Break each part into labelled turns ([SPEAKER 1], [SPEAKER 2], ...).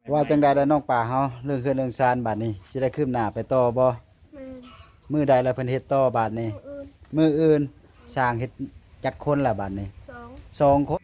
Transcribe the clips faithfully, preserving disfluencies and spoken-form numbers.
[SPEAKER 1] ว่าจังใดได้น้องป่าเฮาเรื่องเครื่องเรื่องซานบาดนี้สิได้คืบหน้าไปต่อบ่
[SPEAKER 2] แม่น
[SPEAKER 1] มื้อใดแล้วเพิ่นเฮ็ดต่อบาดนี้
[SPEAKER 2] มื้ออื่น
[SPEAKER 1] มื้ออื่นสร้างเฮ็ดจักคนละบาดนี้
[SPEAKER 2] สอง
[SPEAKER 1] สองคน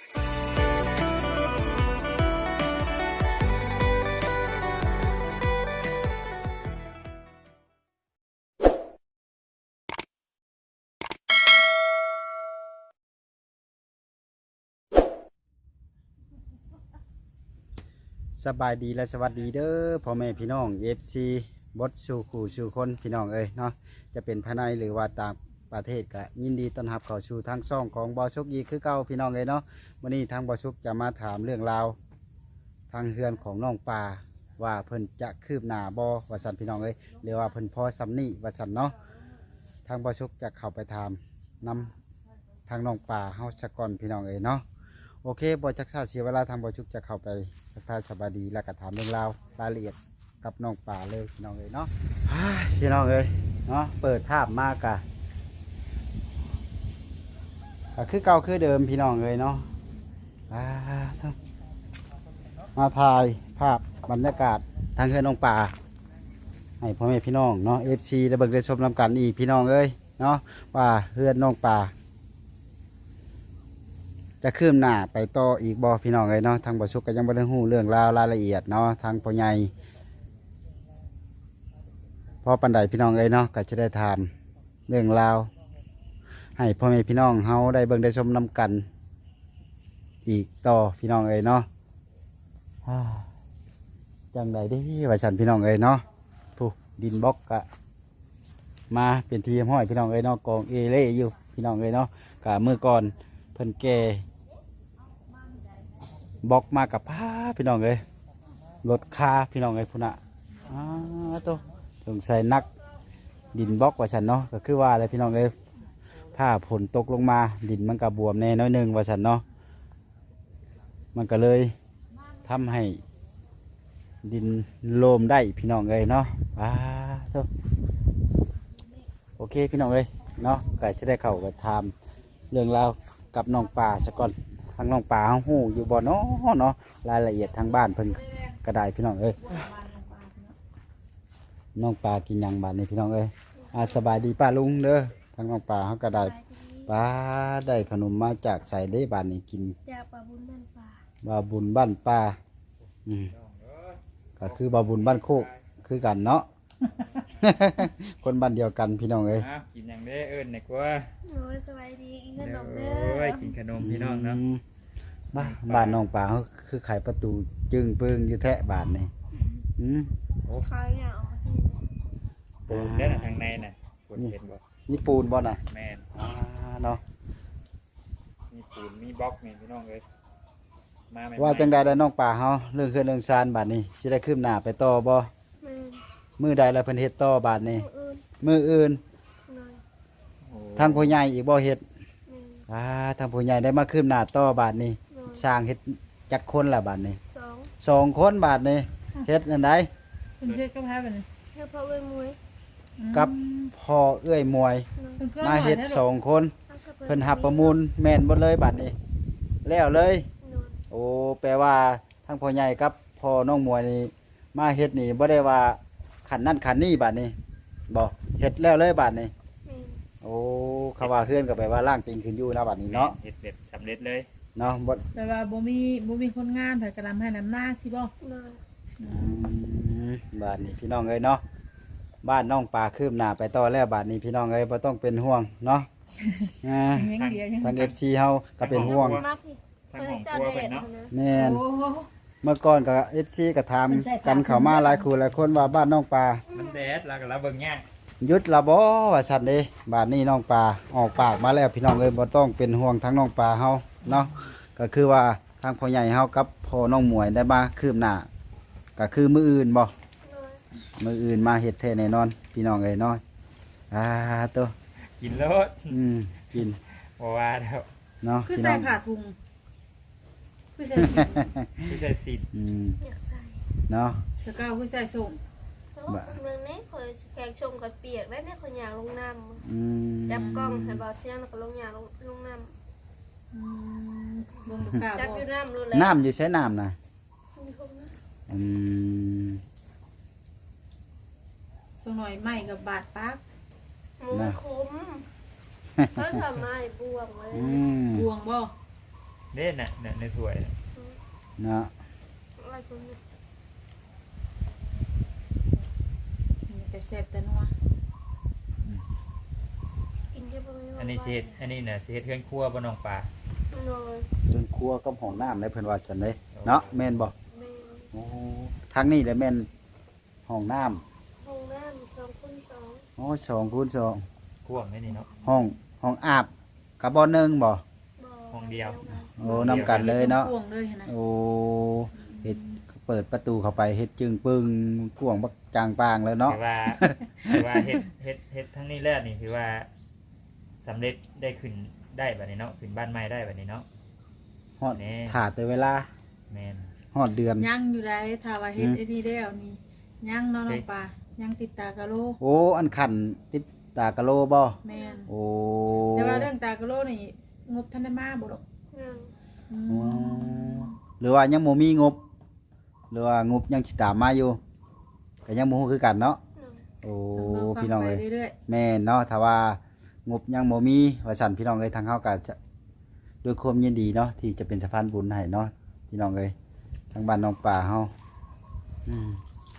[SPEAKER 1] สบายดีและสวัสดีเด้อพ่อแม่พี่น้อง เอฟ ซี บดสู่ขู่สู่คนพี่น้องเอ้ยเนาะจะเป็นภายในหรือว่าต่างประเทศก็ยินดีต้อนรับเข้าสู่ทางช่องของบอชุกยีคือเก่าพี่น้องเอ้ยเนาะวันนี้ทางบอชุกจะมาถามเรื่องราวทางเฮือนของน้องป่าว่าเพิ่นจะคืบหน้าบอว่าสันพี่น้องเอ้ยหรือว่าเพิ่นพอซ้ำนี่ว่าสันเนาะทางบอชุกจะเข้าไปถามนำทางน้องป่าเฮาสะก่อนพี่น้องเอ้ยเนาะโอเคบอจักษาเสียเวลาทางบอชุกจะเข้าไปทักทายสบายดีแล้วก็ถามเรื่องราวรายละเอียดกับน้องป่าเลยพี่น้องเอ้ยเนาะพี่น้องเอ้ยเนาะเปิดภาพมากกะก็คือเก่าคือเดิมพี่น้องเอ้ยเนาะมาถ่ายภาพบรรยากาศทางเฮือนน้องป่าให้พ่อแม่พี่น้องเนาะเอฟซีได้เบิกได้ชมนำกันอีกพี่น้องเอ้ยเนาะว่าเฮือนน้องป่าจะคืบหน้าไปต่ออีกบ่พี่น้องเอ้ยเนาะทางบ่ชุกก็ยังบ่ได้ฮู้เรื่องราวรายละเอียดเนาะทางพ่อใหญ่พอปันใดพี่น้องเอ้ยเนาะก็จะได้ถามเรื่องราวให้พ่อแม่พี่น้องเฮาได้เบิ่งได้ชมนำกันอีกต่อพี่น้องเอ้ยเนาะจังใดเด้ว่าซั่นพี่น้องเอ้ยเนาะผู้ดินบล็อกก็มาเป็นทีมห้อยพี่น้องเอ้ยเนาะกองเอเล่อยู่พี่น้องเอ้ยเนาะก็มื้อก่อนเพิ่นแก่บล็อกมากับผ้าพี่น้องเอ้ยรถคาพี่น้องเอ้ยพุ่นน่ะอ้าตัวสงสัยนักดินบล็อกว่าฉันเนาะก็คือว่าอะไรพี่น้องเอ้ยถ้าฝนตกลงมาดินมันก็บวมแน่น้อยหนึงว่าฉันเนาะมันก็เลยทำให้ดินโลมได้พี่น้องเอ้ยเนาะอ้าตัวโอเคพี่น้องเอ้ยเนาะก็จะได้เข้าไปถามเรื่องราวกับน้องป่าซะก่อนทางน้องป่าเฮาฮู้อยู่บ่เนาะเนาะรายละเอียดทางบ้านเพิ่นก็ได้พี่น้องเอ้ยน้องป่ากินหยังบาดนี้พี่น้องเอ้ยอ่าสบายดีป้าลุงเด้อทางน้องป่าเฮาก็ได้ป้าได้ขนมมาจากไสเด้บาดนี้กิน
[SPEAKER 2] จากปลาบุญบ้านป่า
[SPEAKER 1] บาบุญบ้านป่าอืมก็คือบาบุญบ้านโคกคือกันเนาะ คนบ้านเดียวกันพี่น้องเอ้ย
[SPEAKER 3] อ้าวกินอย่างเด้อเอิญเนี่ยกว่า
[SPEAKER 2] โอ้ยสบายดีกินขนมเด้
[SPEAKER 3] โอ้
[SPEAKER 2] อย
[SPEAKER 3] กินขนมพี่น้องเนาะ
[SPEAKER 1] มบ้านบ้านน้องป่าเขาคือไขประตูจึงเปิงอยู่แทะบานนี่อืม
[SPEAKER 2] เขาเนี่ยออกมาที่
[SPEAKER 3] ปูนเด้อน่ะทางในน่ะปูนเห็นบ่
[SPEAKER 1] นี่ปูนบ่น่ะ
[SPEAKER 3] แม่น
[SPEAKER 1] อ่าเนาะ
[SPEAKER 3] มีปูนมีบล็อกนี่พี่น้องเอ้ยมาใหม่ๆ
[SPEAKER 1] ว่าจังใดได้น้องป่าเฮาเรื่องเครื่องเรื่องซานบาดนี้สิได้คืบหน้าไปต่อบ่
[SPEAKER 2] แม่น
[SPEAKER 1] มื้อใดแล้วเพิ่นเฮ็ดต่อบาดนี้
[SPEAKER 2] มื้ออื่น
[SPEAKER 1] มื้ออื่น
[SPEAKER 2] หน่อย
[SPEAKER 3] โอ้
[SPEAKER 1] ทางผู้ใหญ่อีกบ่เฮ็ด
[SPEAKER 2] แม่น
[SPEAKER 1] อ่าทางผู้ใหญ่ได้มาคืบหน้าต่อบาดนี้
[SPEAKER 2] หน่อย
[SPEAKER 1] สร้างเฮ็ดจักคนละบาดนี้
[SPEAKER 2] สอง
[SPEAKER 1] สองคนบาดนี้เฮ็ดอันใด
[SPEAKER 4] เป็นเพื่อนกับพาไปเลย
[SPEAKER 2] เพื่อพ่อเอ้ยมวย
[SPEAKER 1] กับพ่อเอื้อยมวย
[SPEAKER 2] หน่อย
[SPEAKER 4] เป็นเพื่อน
[SPEAKER 1] มาเฮ็ดสองคน
[SPEAKER 2] เอากับ
[SPEAKER 1] เพิ่นหับประมูลแม่นหมดเลยบาดนี้แล้วเลย
[SPEAKER 2] หน่อย
[SPEAKER 1] โอ้แปลว่าทั้งพ่อใหญ่กับพ่อน้องมวยนี่มาเฮ็ดนี่บ่ได้ว่าขันนั่นขันนี่บาดนี้บ่เฮ็ดแล้วเลยบาดนี้
[SPEAKER 2] แม่น
[SPEAKER 1] โอ้เขาว่าเฮือนก็แปลว่าล่างติงขึ้นอยู่นะบาดนี้เนาะ
[SPEAKER 3] เฮ็ดเสร็จสำเร็จเลย
[SPEAKER 1] เนาะบ่
[SPEAKER 4] แต่ว่าบ่มีบ่มีคนงานเพิ่นกระลำให้น้ำหน้าสิบ่
[SPEAKER 2] หน่อย
[SPEAKER 1] อืมบาดนี้พี่น้องเอ้ยเนาะบ้านน้องปลาคืบหน้าไปต่อแล้วบาดนี้พี่น้องเอ้ยบ่ต้องเป็นห่วงเนาะอ่า
[SPEAKER 4] ยังเดียวยัง
[SPEAKER 1] ทาง เอฟ ซี เฮาก็เป็นห่วง
[SPEAKER 2] มาพี่
[SPEAKER 3] ทางของครัวเพิ่นเนาะ
[SPEAKER 1] แม่น
[SPEAKER 4] โอ้โห
[SPEAKER 1] เมื่อก่อนก็ เอฟ ซี ก็ถามกันเข้ามาหลายคู่หลายคนว่าบ้านน้องปลา
[SPEAKER 3] มันแดดแล้วก็เราเบิ่งยาก
[SPEAKER 1] ยุดละบ่ว่าซั่นเด้บาดนี้น้องปลาออกปากมาแล้วพี่น้องเอ้ยบ่ต้องเป็นห่วงทั้งน้องปลาเฮาเนาะก็คือว่าทางพ่อใหญ่เฮากับพ่อน้องหมวยได้มาคืบหน้าก็คือมื้ออื่นบ่
[SPEAKER 2] หน่อย
[SPEAKER 1] มื้ออื่นมาเฮ็ดแท้แน่นอนพี่น้องเอ้ยเนาะอ่าตัว
[SPEAKER 3] กินรส
[SPEAKER 1] อืมกิน
[SPEAKER 3] บ่ว่าแล้ว
[SPEAKER 1] เนาะ
[SPEAKER 4] คือ
[SPEAKER 1] พี่
[SPEAKER 4] ใส่
[SPEAKER 1] น้อง
[SPEAKER 4] ผ้าถุงคือใส่สี
[SPEAKER 3] ที่ใส่สิ
[SPEAKER 1] อืม
[SPEAKER 2] อยากใส่
[SPEAKER 1] เนาะ
[SPEAKER 4] สกาวคือใส่ส่ง
[SPEAKER 2] แต่ว่าคนเมืองนี้เคยแขกชมกับเปียกได้เนี่ยคนอยากลงน้ำ
[SPEAKER 1] อืม
[SPEAKER 2] จับกล้องให้เบาเสียงแล้วก็ลงยาลงลงน้
[SPEAKER 4] อืมบ่กล้า
[SPEAKER 2] ำจับ
[SPEAKER 4] บ่
[SPEAKER 2] อยู่น้ำรู้เลย
[SPEAKER 1] น้ำอยู่ใช้น้ำน่ะ
[SPEAKER 2] มีคนนะ
[SPEAKER 1] ออืม
[SPEAKER 4] ส่งหน่อยไหม้กับบาดปัก
[SPEAKER 2] หมูคุ้มเขาทำไม้บวงไว้
[SPEAKER 1] อืม
[SPEAKER 4] บวงบ่
[SPEAKER 3] เด่นน่ะน่ะในถ้วยน่ะ
[SPEAKER 1] เนาะ
[SPEAKER 2] อะไรพวกนี้
[SPEAKER 4] มีแต่แซ่บแต่นัว
[SPEAKER 2] กินเยอะไปไหม
[SPEAKER 3] อันนี้สิเฮ็ดอันนี้น่ะสิเฮ็ดเครื่องครัวบ่น้องปลา
[SPEAKER 2] นอน
[SPEAKER 1] จนครัวกับห้องน้ำได้เพิ่นว่าซั่นเด้เนาะแม่นบ่
[SPEAKER 2] แม่
[SPEAKER 1] โอ้ทางนี้แหละแม่นห้องน้ำ
[SPEAKER 2] ห้องน้ำสองคูณสอง
[SPEAKER 1] โอ้สองคูณสอง
[SPEAKER 3] กว้างแม่นี่เนาะ
[SPEAKER 1] ห้องห้องอาบกับบ่อหนึงบ่
[SPEAKER 2] บ่
[SPEAKER 3] ห้องเดียว
[SPEAKER 1] โอ้นำกันเลยเนาะ
[SPEAKER 4] กวงเลยนะ
[SPEAKER 1] โอ้เฮ็ดเปิดประตูเข้าไปเฮ็ดจึงปึงกวางบักจางปางแล้วเนาะ
[SPEAKER 3] ถือว่าถือว่าเฮ็ดเฮ็ดเฮ็ดทั้งนี้แล้วนี่ถือว่าสำเร็จได้ขึ้นได้บัดนี้เนาะขึ้นบ้านใหม่ได้บัดนี้เนาะ
[SPEAKER 1] ฮอด
[SPEAKER 3] แน่
[SPEAKER 1] ถ่าแต่เวลา
[SPEAKER 3] แม่น
[SPEAKER 1] ฮอดเดือน
[SPEAKER 4] ยังอยู่ได้ถ้าว่าเฮ็ด
[SPEAKER 1] อืม
[SPEAKER 4] ไอ้นี่แล้วนี่ยังเนาะน้องปลายังติดตากะโล
[SPEAKER 1] โอ้อันขันติดตากะโลบ่
[SPEAKER 4] แม่น
[SPEAKER 1] โอ้
[SPEAKER 4] แต่ว่าเรื่องตากะโลนี่งบทันได้มาบ่ดอก
[SPEAKER 2] ยัง
[SPEAKER 4] อื
[SPEAKER 1] อ๋อ
[SPEAKER 4] ม
[SPEAKER 1] หรือว่ายังบ่มีงบ หรือว่างบยังสิตามมาอยู่ก็ยังบ่ฮู้คือกันเนาะ
[SPEAKER 2] ยัง
[SPEAKER 1] โอ้
[SPEAKER 4] ต้องร
[SPEAKER 1] พี่น้องเอ้ย
[SPEAKER 4] ฟัไปเรื่อย
[SPEAKER 1] แม่นเนาะถ้าว่างบยังบ่มีว่าซั่นพี่น้องเอ้ยทางเฮาก็จะด้วยความยินดีเนาะที่จะเป็นสะพานบุญให้เนาะพี่น้องเอ้ยทางบ้านน้องป่าเฮาอืม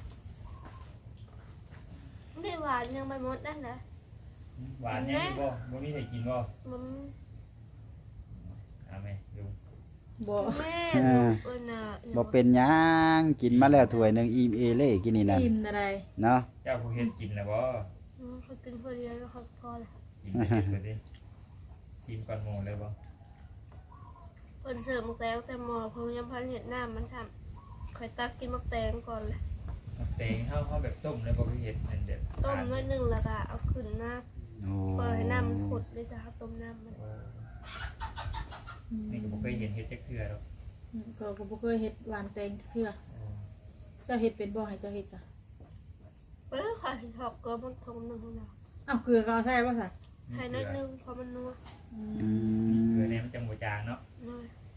[SPEAKER 2] ไม่หวานยังไม่หมดได้นะ
[SPEAKER 3] หวานยังอยู่บ่บ่มีให้กินบ่
[SPEAKER 2] มัน
[SPEAKER 3] เอาแม่ดู
[SPEAKER 4] ๆบ่
[SPEAKER 2] แม่เออน่ะ
[SPEAKER 1] บ่เป็นหยังกินมาแล้วถ้วยหนึงอิ่มเอเล่กินนี่นั่น
[SPEAKER 4] อิ่มอะไร
[SPEAKER 1] เนาะ
[SPEAKER 3] เจ้าผู้เฮ็ดกินแล้วบ่
[SPEAKER 2] เขากินคนเดียวแล้วเขาพอละ
[SPEAKER 3] กินไปเฮ็ดไปดิชิมก่อนหมู่เลยบ่
[SPEAKER 2] คนเสิร์ฟมักแตงแต่หมอพงยังพันเห็ดหน้ามันทำคอยตักกินมักแตงก่อนเลย
[SPEAKER 3] เอาเตงเฮาเฮาแบบต้มเลยบ่คือเฮ็ดนั่นเด็ด
[SPEAKER 2] ต้มน้อยหนึ่งแล้วก็เอาขึ้นมา
[SPEAKER 1] โอ้
[SPEAKER 2] เปิดให้น้ำมันขุดเลยจ้ะครับต้มน้ำมัน
[SPEAKER 3] โอ้
[SPEAKER 4] อืม
[SPEAKER 3] นี่ก็บ่เคยเห็นเฮ็ดจักเทื่อดอก
[SPEAKER 4] อืมก็ก็บ่เคยเฮ็ดหวานแตงเทื่อ
[SPEAKER 3] โอ้
[SPEAKER 4] เจ้าเฮ็ดเป็นบ่ให้เจ้าเฮ็ดจ้ะ
[SPEAKER 2] เออขอยถอกเกลือมันทงหนึ่งของเรา
[SPEAKER 4] อ้าวเกลือก็เอาใส่บ่ซะ
[SPEAKER 2] ใส่น้อยหนึ่งเพราะมันนัว
[SPEAKER 4] อื
[SPEAKER 1] อื
[SPEAKER 4] ม
[SPEAKER 3] เกลือ
[SPEAKER 1] ม
[SPEAKER 3] เนี่ยมันจังบ่จางเนาะ
[SPEAKER 2] น้อย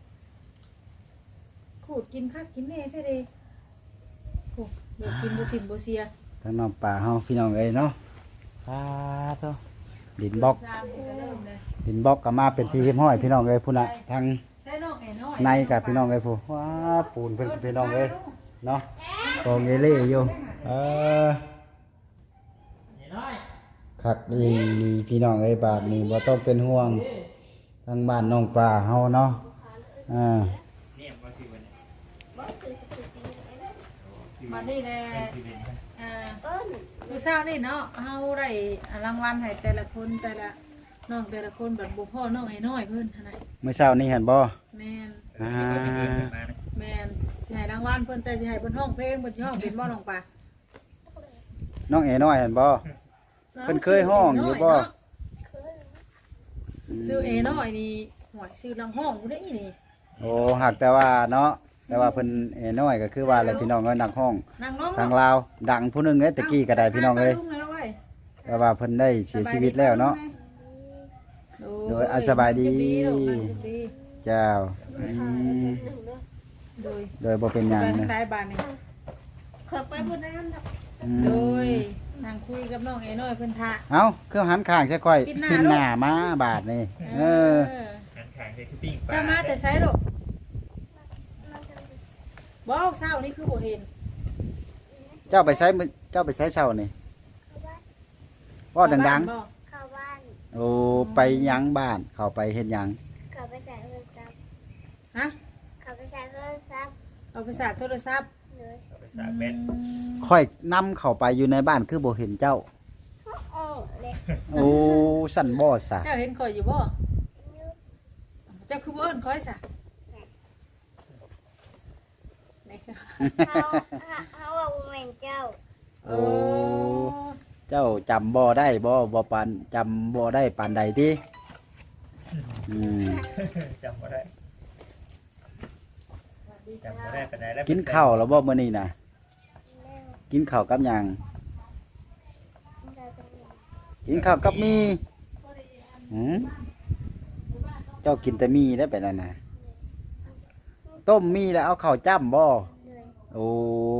[SPEAKER 4] ขูดกินคักกินแน่แท้เด้โอ้เดี๋ยวกินบ่ติ่มบ่เสีย
[SPEAKER 1] ทางน้องป่าเฮาพี่น้องเอ้ยเนาะปาโตดินบล็อก
[SPEAKER 4] สามก็เริ่มเลย
[SPEAKER 1] ดินบล็อกก็มาเป็นที่เรียบร้อยพี่น้องเอ้ยพุ่นน่ะทาง
[SPEAKER 4] ใส่นอกไอ้น้อย
[SPEAKER 1] ในกับพี่น้องเอ้ยผู้ว้าปูนเพิ่นพี่น้องเอ้ยเนาะกองเอเล่อยู่เออ
[SPEAKER 3] นี่น้อย
[SPEAKER 1] คักดีมีพี่น้องเอ้ยบาดนี้บ่ต้องเป็นห่วงทางบ้านน้องป่าเฮาเนาะอ่า
[SPEAKER 3] เนี่ยบ่สิบ่เนี่ย
[SPEAKER 2] บอสซื้อกับซื้อจริงไอ้นั่น
[SPEAKER 4] มานี่แหละ
[SPEAKER 3] เป็นสิเป็นนะ
[SPEAKER 4] อ่า
[SPEAKER 2] เอิ้น
[SPEAKER 4] คือเช้านี่เนาะเฮาได้รางวัลให้แต่ละคนแต่ละน้องแต่ละคนแบบบ่พ่อน้องไอ้น้อยเพิ่นหั่นน่ะ
[SPEAKER 1] เมื่อเช้านี้เห็นบ่
[SPEAKER 4] แม่น
[SPEAKER 1] อ่า
[SPEAKER 3] เออเดี๋ยวเพิ่นเอิ้นมานะ
[SPEAKER 4] แม่นสิให้รางวัลเพิ่นแต่สิให้เพิ่นร้องเพลงเพิ่นสิร้องเป็นบ่น้องปลา
[SPEAKER 1] น้องเอ๋น้อยเห็นบ่ เพิ่นเคยร้องอยู่บ่
[SPEAKER 2] เคย
[SPEAKER 4] ชื่อเอน้อยนี่หวยชื่อลังห้องผู้ใดนี่
[SPEAKER 1] โอ้หักแต่ว่าเนาะแต่ว่าเพิ่นเอ๋น้อยก็คือว่าอะไรพี่น้องเอ้ยนักห้อง
[SPEAKER 4] นางน้อง
[SPEAKER 1] ทางลาวดังผู้หนึงเด้ตะกี้ก็ได้พี่น้องเอ้ย แต่ว่าเพิ่นได้เสียชีวิตแล้วเนาะ โดยอ่ะสบายดี เจ้าอืม
[SPEAKER 2] หนึ่งเด้อ
[SPEAKER 4] โดย
[SPEAKER 1] โดยบ่เป็นหยัง
[SPEAKER 4] ไป
[SPEAKER 1] นะ
[SPEAKER 4] ทางใต้บ้านนี่
[SPEAKER 2] เคยไปบนนั้นน่ะ
[SPEAKER 1] อื
[SPEAKER 4] โด
[SPEAKER 1] ม
[SPEAKER 4] ยนางคุยกับน้องเอน้อยเพิ่นทะ
[SPEAKER 1] เอ้าคือหันข้างใช่ค่อย
[SPEAKER 4] ปิดหน้า
[SPEAKER 1] ขึ้น
[SPEAKER 4] ลูก
[SPEAKER 1] หน้ามาบาดนี่เออ
[SPEAKER 3] หันข้างใส่คือปิ้งปลา
[SPEAKER 4] เจ้ามาแต่ไสลูก
[SPEAKER 2] มันจะเป็น
[SPEAKER 4] บ่เช้านี่คือบ่เห็น
[SPEAKER 1] เจ้าไปใช้มื้อเจ้าไปใช้เช้านี่
[SPEAKER 2] เข้าบ้าน
[SPEAKER 1] เว่าดัง
[SPEAKER 4] บ่
[SPEAKER 2] เข้าบ้าน
[SPEAKER 1] ๆ โอ้ไปหยังบ้าน เข้าไปเฮ็ดหยัง
[SPEAKER 2] เข้าไปใส่โทรศัพท์
[SPEAKER 4] ฮะ
[SPEAKER 2] เข้าไปใส่โทรศัพท์
[SPEAKER 4] เอาไปสากโทรศัพท์
[SPEAKER 2] เลย
[SPEAKER 3] เอาไปสากแบต
[SPEAKER 4] อืม
[SPEAKER 1] ค่อยนำเข้าไปอยู่ในบ้านคือบ่เห็นเจ้า
[SPEAKER 2] โอ้เลย
[SPEAKER 1] โอ้สั่นบ่ซะ
[SPEAKER 4] เจ้าเห็นข่อยอยู่บ่
[SPEAKER 2] ยู
[SPEAKER 4] เจ้าคือบ่เอิ้นข่อยซะนี่
[SPEAKER 2] เขาเขาว่าบ่แม่นเจ้า
[SPEAKER 1] โอ้ เจ้าจำบ่ได้บ่บ่ปานจำบ่ได้ปานใดติอืม
[SPEAKER 3] จำบ่ได้จำบ่ได้ปานใดแล้ว
[SPEAKER 1] กินข้าวแล้วบ่มื้อนี้น่ะ
[SPEAKER 2] เร็ว
[SPEAKER 1] กินข้าวกับหยัง
[SPEAKER 2] เราจะมี
[SPEAKER 1] กินข้าวกับมีหืมเจ้ากินแต่มีได้ไปนั่นน่ะ ต้มมีแล้วเอาข้าวจ้ำบ่
[SPEAKER 2] เลย
[SPEAKER 1] โอ้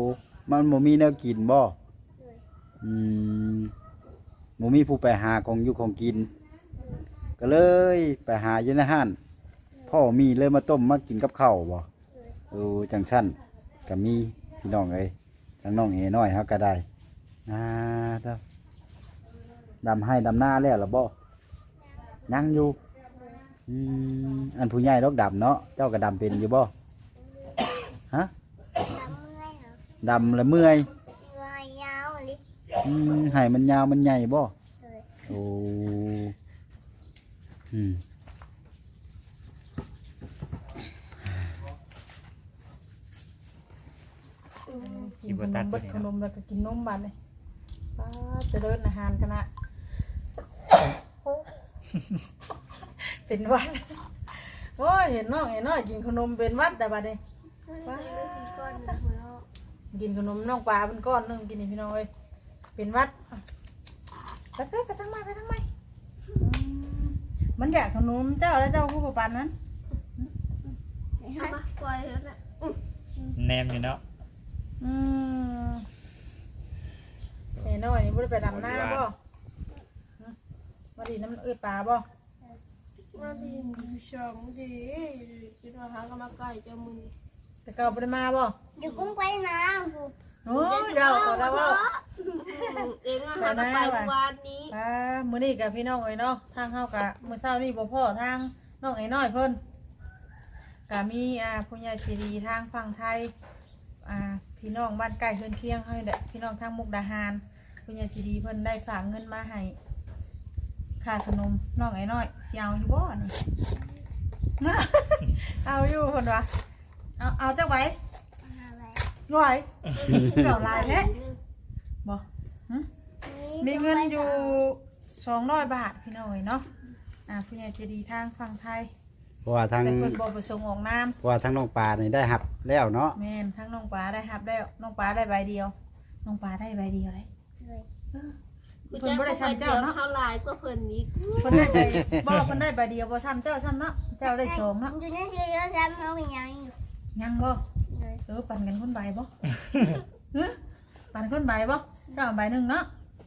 [SPEAKER 1] มันบ่มีแนวกินบ่อืมบ่มีผู้ไปหาของอยู่ของกิน ก็เลยไปหาอยู่ในห้านพ่อมีเลยมาต้มมากินกับข้าวบ่เออจังสั้นก็มีพี่น้องเอ้ยทั้งน้องเอน้อยเฮาก็ได้อ่าเด้อดำให้ดำหน้าแล้วล่ะบ่ยังอยู่อืมอันผู้ใหญ่ดอกดำเนาะเจ้าก็ดำเป็นอยู่บ่ฮะดำแล้วเมื่อยอืมให้มันยาวมันใหญ่บ่โอ้อืม
[SPEAKER 4] กินขนมเบิดขนมแล้วก็กินนมบัดเลยป้าจะเดินอาหารกันนะเป็นหวัดโอ้ยเห็นน้องไอ้น้อยกินขนมเป็นหวัดแต่บัดนี้กินขนมน้องปลาเป็นก้อนนึงกินนี่พี่น้องเอ้ยเป็นหวัดไปไปไปทั้งไม้ไปทั้งไม้มันอยากขนมเจ้าแล้วเจ้าผู้ประปันนั้น
[SPEAKER 2] เอามาปล่อยแล้วนะ
[SPEAKER 3] แนมอยู่เนาะ
[SPEAKER 4] อืมไอ้น้อยนี่บ่ได้ไปดำหน้าบ่มาดีน้ำเอ้ยปลาบ่
[SPEAKER 2] มาดีชมดีคิดว่าหากำลังกายเจ้ามือ
[SPEAKER 4] แต่เก่าบ่ได้มาบ่
[SPEAKER 5] Đừng cũng quay nào.
[SPEAKER 4] โอ้ยเจ้าก็แล้วบ่
[SPEAKER 2] เองว่าหากไปวันนี้
[SPEAKER 4] อ่ามื้อนี้กับพี่น้องเอ้ยเนาะทางเฮากะมื้อเช้านี่บ่พอทางน้องไอ้น้อยเพิ่นก็มีอ่าผู้ใหญ่ใจดีทางฝั่งไทยอ่าพี่น้องบ้านใกล้เฮือนเคียงเฮานี่แหละพี่น้องทางมุกดาหารผู้ใหญ่ใจดีเพิ่นได้ฝากเงินมาให้ค่าขนมน้องไอ้น้อยสิเอาอยู่บ่นี่ เอาอยู่เพิ่นว่าเอาเอาจักไว้ไหวเจ้าหลายแท้บ่หึ มีเงินอยู่สองร้อยบาทพี่น้อยเนาะอ่าผู้ใหญ่ใจดีทางฝั่งไทย
[SPEAKER 1] เพราะว่าทาง
[SPEAKER 4] แต่เพิ่นบ่ประสงค์ออกนาม
[SPEAKER 1] เพราะว่าทางน้องปลานี่ได้หับแล้วเนาะ
[SPEAKER 4] แม่นทั้งน้องปลาได้รับแล้วน้องปลาได้ใบเดียวน้องปลาได้ใบเดียวเลย
[SPEAKER 2] กู
[SPEAKER 4] เพิ่น
[SPEAKER 2] จะ
[SPEAKER 4] บ่
[SPEAKER 2] ไป
[SPEAKER 4] ได้
[SPEAKER 2] เจ้า
[SPEAKER 4] ซ้ำเจ้าเนาะ
[SPEAKER 2] เท่าลายก็เพิ่นนี้
[SPEAKER 4] เพิ่นได้ใบบ่เพิ่นได้ใบเดียวบ่ซ้ำเจ้าซ้ำเนาะเจ้าได้สองเนาะ
[SPEAKER 5] Tôi nói chưa có dám không bị nhau.
[SPEAKER 4] ยังบ่เออปั่นกันคนใบบ่ฮะปั่นคนใบบ่เจ้าเอาใบหนึงเนาะ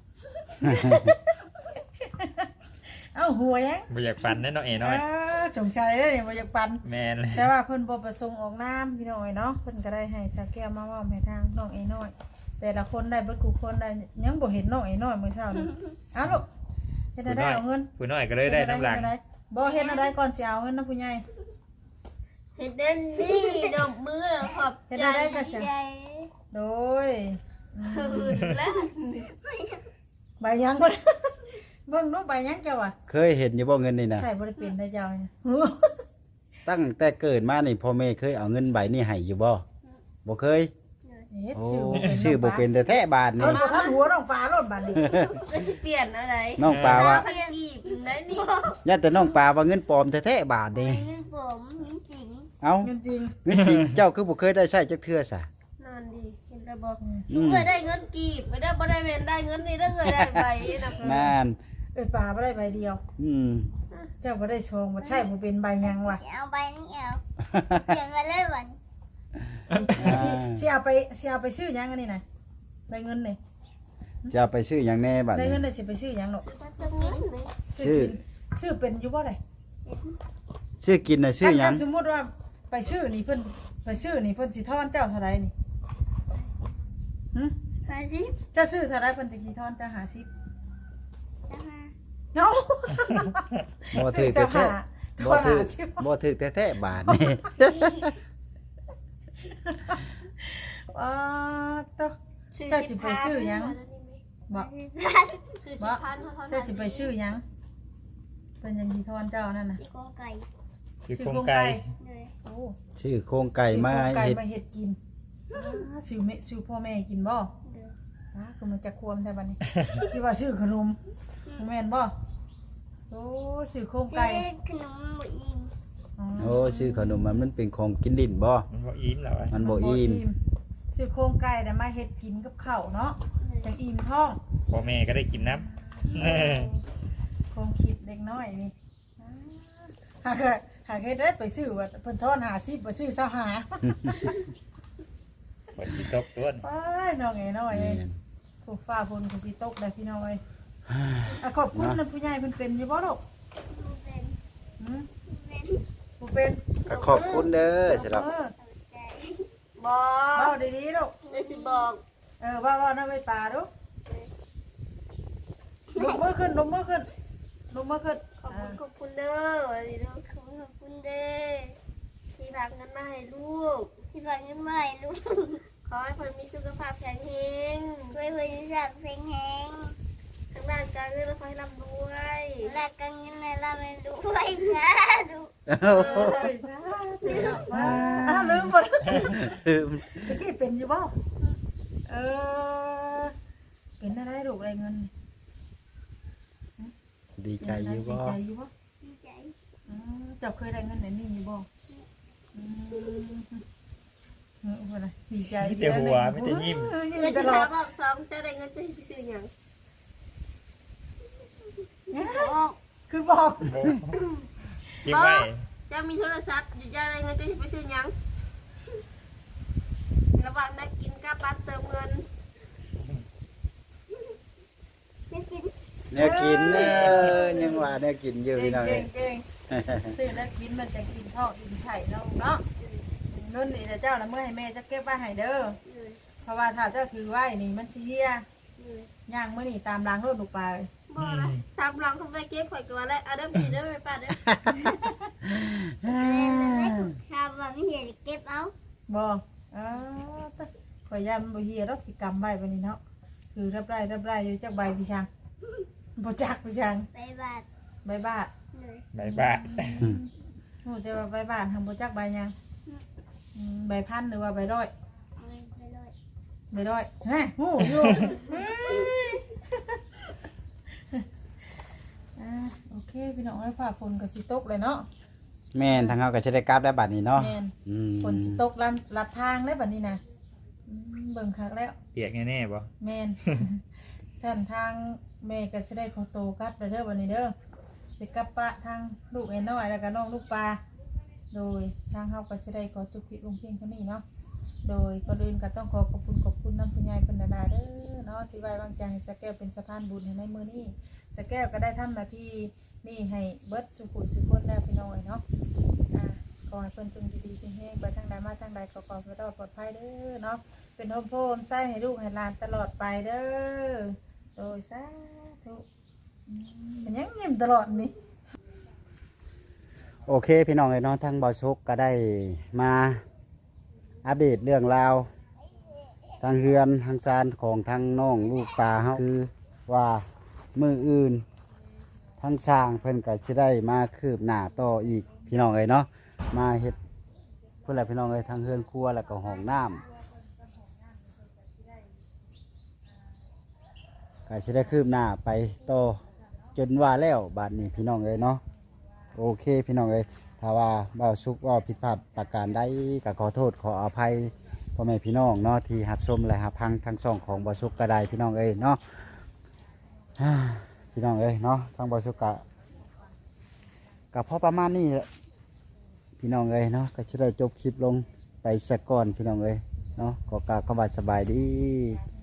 [SPEAKER 4] เอ้าหัวยัง
[SPEAKER 3] บ่อยากปั่นแน่เนาะเอน้อย
[SPEAKER 4] เออสงสัยเด้อนี่บ่อยากปั่น
[SPEAKER 3] แม่นเลย
[SPEAKER 4] แต่ว่าเพิ่นบ่ประสงค์ออกนามพี่น้อยเนาะเพิ่นก็ได้ให้ชาแก้วมามอบให้ทางน้องไอ้น้อย แต่ละคนได้เบิดกูคนได้ยังบ่เห็นน้องไอ้น้อยมื้อเช้านี่เอาลูกเฮ็ดได้เอาเงิน
[SPEAKER 3] ผู้น้อยก็เลยได้น้ำหลัง
[SPEAKER 4] เฮ็ดได้บ่เฮ็ดอะไรก่อนสิเอาเงินนะผู้ใหญ่
[SPEAKER 2] เห็นเด่นนี่ดอกมือแล้วขอบ
[SPEAKER 4] เฮ็ด
[SPEAKER 2] ใจ
[SPEAKER 4] ได้ก็สิ
[SPEAKER 5] Vậy.
[SPEAKER 4] โดย
[SPEAKER 2] อื่นแล้ว
[SPEAKER 4] ใบยังบ่ เบิ่งดูใบยังเจ้าอ่ะ
[SPEAKER 1] เคยเห็นอยู่บ่เงินนี่นะ
[SPEAKER 4] ใช่บ่ได้เป็นได้เจ้าเนี่ย
[SPEAKER 1] ตั้งแต่เกิดมานี่พ่อแม่เคยเอาเงินใบนี่ให้อยู่บ่บ่เคย
[SPEAKER 4] เฮ็ด
[SPEAKER 1] โอ้
[SPEAKER 4] ชื่อบ่เป็น
[SPEAKER 1] ชื่อบ่เป็นแต่แท้บาท
[SPEAKER 4] เอา
[SPEAKER 1] นี่
[SPEAKER 4] บ่ทันหัวน้องปลาโลดบาดนี้
[SPEAKER 2] ก็สิเปลี่ยนอะไร
[SPEAKER 1] น้องปลาว่า
[SPEAKER 2] พันกีบได้นี่
[SPEAKER 1] ย่าแต่น้องปลาว่าเงินปลอมแท้ๆบาทนี่
[SPEAKER 5] Những bụng, những chuyện.
[SPEAKER 1] เอ้า
[SPEAKER 4] เงินจริง
[SPEAKER 1] เงินจริงเจ้าคือบ่เคยได้ใช้จักเทื่อซะ
[SPEAKER 2] นอนดีเห็นแต่บอกชุบเคยได้เงินกีบไม่ได้บ่ได้เวนได้เงินนี่ได้เคยได้ใบนะ
[SPEAKER 1] นาน
[SPEAKER 4] เอิ้นปลาบ่ได้ใบเดียว
[SPEAKER 1] อืม
[SPEAKER 4] เจ้าบ่ได้ชงบ่ใช่บ่เป็นใบยังว่ะ
[SPEAKER 5] Chị ao bay ní ao. Chuyện phải lấy bệnh.
[SPEAKER 4] สิสิเอาไปสิเอาไปซื้อหยังอันนี้น่ะได้เงินนี่
[SPEAKER 1] จะเอาไปซื้อหยังแน่บัด
[SPEAKER 4] ได้
[SPEAKER 1] นี้
[SPEAKER 4] เงินได้สิไปซื้อหยังหรอก
[SPEAKER 2] ซื้อมาจะเงินเลย
[SPEAKER 1] ชื่อ
[SPEAKER 4] กินซื้อเป็นอยู่บ่ได้
[SPEAKER 1] ซื้อกินน่ะซื้อหยัง
[SPEAKER 4] สมมุติว่าไปซื้อนี่เพิ่นไปซื้อนี่เพิ่นสิทอนเจ้าเท่าไรนี่หึ
[SPEAKER 5] Phải gì?
[SPEAKER 4] เจ้าซื้อเท่าไรเพิ่นสิทอนเจ้าห้าสิบ
[SPEAKER 5] Sao mà?
[SPEAKER 4] เนาะ
[SPEAKER 1] บ่
[SPEAKER 4] ซื้
[SPEAKER 1] ถื
[SPEAKER 4] อ
[SPEAKER 1] อ
[SPEAKER 4] เจ้า
[SPEAKER 1] แท้
[SPEAKER 4] หา
[SPEAKER 1] ๆ
[SPEAKER 4] ท
[SPEAKER 1] บ่
[SPEAKER 4] อน
[SPEAKER 1] ถือ
[SPEAKER 4] ห้าสิบ
[SPEAKER 1] บ่ถือแท้ๆบาทนี่
[SPEAKER 4] อ๋อตอ
[SPEAKER 2] ซื้อ
[SPEAKER 4] เจ้า
[SPEAKER 2] สิ
[SPEAKER 4] สิ
[SPEAKER 2] บ
[SPEAKER 4] ไป
[SPEAKER 2] พัน
[SPEAKER 4] ซื้อหยังบ่
[SPEAKER 2] ซื้อสิบพันเขาเท่า
[SPEAKER 4] เจ้าสิไปซื้อหยังเพิ่นยังสิทอนเจ้านั่นน่ะ
[SPEAKER 5] Chị con cày.
[SPEAKER 3] คือโครงไก่
[SPEAKER 5] Rồi.
[SPEAKER 4] โอ้
[SPEAKER 1] ชื่อโครงไก่มา
[SPEAKER 4] ซื้อโครงไก่
[SPEAKER 1] เฮ็ด
[SPEAKER 4] มาเฮ็ดกินอ่าซื้อแม่ซื้อพ่อแม่กินบ่
[SPEAKER 5] Được.
[SPEAKER 4] อ่าคือมันจะควมแท้บัดนี้ คิดว่าซื้อขนมแม่นบ่โอ้ซื้อโครงไก่
[SPEAKER 5] Chứ cái nụ bị im.
[SPEAKER 1] โอ้ชื่อขนมมันมันเป็นของกินลิ้นบ่
[SPEAKER 3] มันบ่อิ่มแล้วอะ
[SPEAKER 1] มันบ่อิ่ม
[SPEAKER 4] ซื้อโครงไก่แต่มาเฮ็ดกินกับข้าวเนาะจังอิ่มท้อง
[SPEAKER 3] พ่อแม่ก็ได้กินน้ำเออ
[SPEAKER 4] โครงคิดเด็กน้อยนี่หากหากเฮ็ดได้ไปซื้อว่าเพิ่นทอนห้าสิบบ่ซื้อเศร้าหา
[SPEAKER 3] ฝนสิตกต้น
[SPEAKER 4] ไปน้องไอ้น้อย
[SPEAKER 1] แม่
[SPEAKER 4] เอ้ย
[SPEAKER 1] น
[SPEAKER 4] ถูกฟ้าฝนก็สิตกได้พี่น้องเอ้ยอ่ะขอบคุณนะผู้ใหญ่เพิ่นเป็นอยู่บ่ลูก
[SPEAKER 5] บ่เป็น
[SPEAKER 4] หืม
[SPEAKER 5] เป็น
[SPEAKER 4] บ่เป็น
[SPEAKER 1] ก็ขอบคุณเด้อสำหรับ
[SPEAKER 4] เออ
[SPEAKER 5] ใจ
[SPEAKER 2] บอ
[SPEAKER 4] เว้าก ดีๆลูก
[SPEAKER 2] เลยสิบอก
[SPEAKER 4] เออเว้าๆนำไว้ป่าลูกลงมือขึ้นลงมือขึ้นลงมือขึ้น
[SPEAKER 2] ขอบคุณขอบคุณเด้อวันนี้เด้อ
[SPEAKER 5] ขอบคุณขอบคุณเด้อ
[SPEAKER 2] ที่ฝากเงินมาให้ลูก
[SPEAKER 5] ที่ฝากเงินมาให้ลูก
[SPEAKER 2] ขอให้เพิ่นมีสุขภาพแข็งแรง
[SPEAKER 5] ช่วยเพื่อนจับเพลงแหง
[SPEAKER 2] ทางด้านการเงินและขอให้ร่ำรวย
[SPEAKER 5] รักกันยังไงเราไม่รู้ไว้จ้าดู
[SPEAKER 4] เอ้ยว้าอ้าวลืมบ่ตะกี้เป็นอยู่บ่เออเป็นอะไรลูกอะไรเงิน
[SPEAKER 1] ดีใจอยู่บ่
[SPEAKER 4] ดีใจอยู่บ่
[SPEAKER 5] ดีใจ
[SPEAKER 4] อืมเจ้าเคยได้เงินไหนนี่อยู่บ่อืมเออว่าไงดีใจ
[SPEAKER 3] มีแต่หัวมีแต่ยิ้ม
[SPEAKER 4] เออยิ้ม
[SPEAKER 2] เลย
[SPEAKER 4] ต
[SPEAKER 2] สิ
[SPEAKER 4] ลอ
[SPEAKER 2] ถา
[SPEAKER 4] ด
[SPEAKER 2] มรอบสองจะได้เงินจะไปซื้อหยัง
[SPEAKER 5] บอก
[SPEAKER 4] คือบอก
[SPEAKER 3] โอ้เก็บไว้
[SPEAKER 2] จะมีโทรศัพท์อยู่จะได้เงินจะไปซื้อหยังระหว่างนักกินกับบัตรเติมเงิน
[SPEAKER 5] ไม่กิน
[SPEAKER 1] แนวกินเออยังว่าแนวกินอยู่
[SPEAKER 4] เก่
[SPEAKER 1] พี่
[SPEAKER 4] ง
[SPEAKER 1] น้อง
[SPEAKER 4] เก่
[SPEAKER 1] เอ้
[SPEAKER 4] ง
[SPEAKER 1] ย
[SPEAKER 4] เก่งซื้อแล้วกินมันจะกินทอกกินไข่เนาะเนาะเงินนี่เจ้าน่ะเมื่อให้แม่จะเก็บไว้ให้เด้อเพราะว่าถ้าเจ้าถือไว้นี่มันสิเฮียย่างมื้อนี่ตามรางรถลูกปลาเลย
[SPEAKER 2] บ่ละตามหลังทำไมเก็บข่อยก็ว่าแล้วเอาเด้อพี่เด้อไปป้าเด้อ
[SPEAKER 5] ถ้าว่าไม่เห็นเก็บเอา
[SPEAKER 4] บ่อ๋อข่อยยามบ่เฮียดอกสิกรรมไว้บัดนี้เนาะคือรับไร่รับไร่อยู่จักใบพี่ช่างบ่จักพี่ช่าง
[SPEAKER 5] ไปบาท
[SPEAKER 4] ใบบาท
[SPEAKER 5] เลย
[SPEAKER 3] ใบบ้า
[SPEAKER 4] โอ้แต่ว่าใบบาททำบ่จักใบหยังอืมใบพันหรือว่าใบร้อย
[SPEAKER 5] เอาไปเลย
[SPEAKER 4] ใบร้อยฮะฮู้อยู่อ่าโอเคพี่น้องให้ฝ่าฝนก็สิตกเลยเนาะ
[SPEAKER 1] แม่นทางเฮาก็สิได้กลับได้บัดนี้เนาะ
[SPEAKER 4] แม่น
[SPEAKER 1] อืม
[SPEAKER 4] ฝนสิตกลันลัดทางแล้วบัดนี้นะอืมเบิ่งคักแล้ว
[SPEAKER 3] เปียกแน่ๆบ่
[SPEAKER 4] แม่น ท่านทางแม่ก็สิได้ขอโตกลับเด้อเด้อบัดนี้เด้อสิกลับปะทางลูกไอ้น้อยแล้วก็น้องลูกปลาโดยทางเฮาก็สิได้ขอจุกพิลงเพียงเท่านี้เนาะโดยก็อื่นก็ต้องขอขอบคุณขอบคุณน้ำคุณยายเพิ่นดาๆเด้อเนาะที่ไว้วางใจให้สะแก้วเป็นสะพานบุญให้ในมื้อนี้สะแก้วก็ได้ทำหน้าที่นี่ให้เบิดสุขุสุขคนแล้วพี่น้อยเนาะอ่าขอให้เพิ่นจงอยู่ดีมีแฮงไปทางใดมาทางใดขอความรอดปลอดภัยเด้อเนาะเป็นโฮมโพมไส้ให้ลูกให้หลานตลอดไปเด้อโดยสาธุอืมเป็นหยังยิ้มตลอดนี่
[SPEAKER 1] โอเคพี่น้องเอ้ยเนาะทางบ่าวชกก็ได้มาอัปเดตเรื่องราวทางเฮือนทางซานของทางน้องลูกปลาเฮาคือว่ามืออื่นทางสร้างเพิ่นก็สิได้มาคืบหน้าต่ออีกพี่น้องเอ้ยเนาะมาเฮ็ดเพิ่นแหละพี่น้องเอ้ยทางเฮือนครัวแล้วก็ห้องน้ำก็สิได้คืบหน้าไปต่อจนว่าแล้วบาดนี้พี่น้องเอ้ยเนาะโอเคพี่น้องเอ้ยถ้าว่าบ่าวสุกว่าผิดพลาดประการใดก็ขอโทษขออภัยพ่อแม่พี่น้องเนาะที่รับชมและรับฟังทั้งสองของบ่าวสุกก็ได้พี่น้องเอ้ยเนาะ พี่น้องเอ้ยเนาะทางบ่าวสุกก็กับพอประมาณนี้แหละพี่น้องเอ้ยเนาะก็จะได้จบคลิปลงไปสักก่อนพี่น้องเอ้ยเนาะก็กล่าวคำว่าสบายดี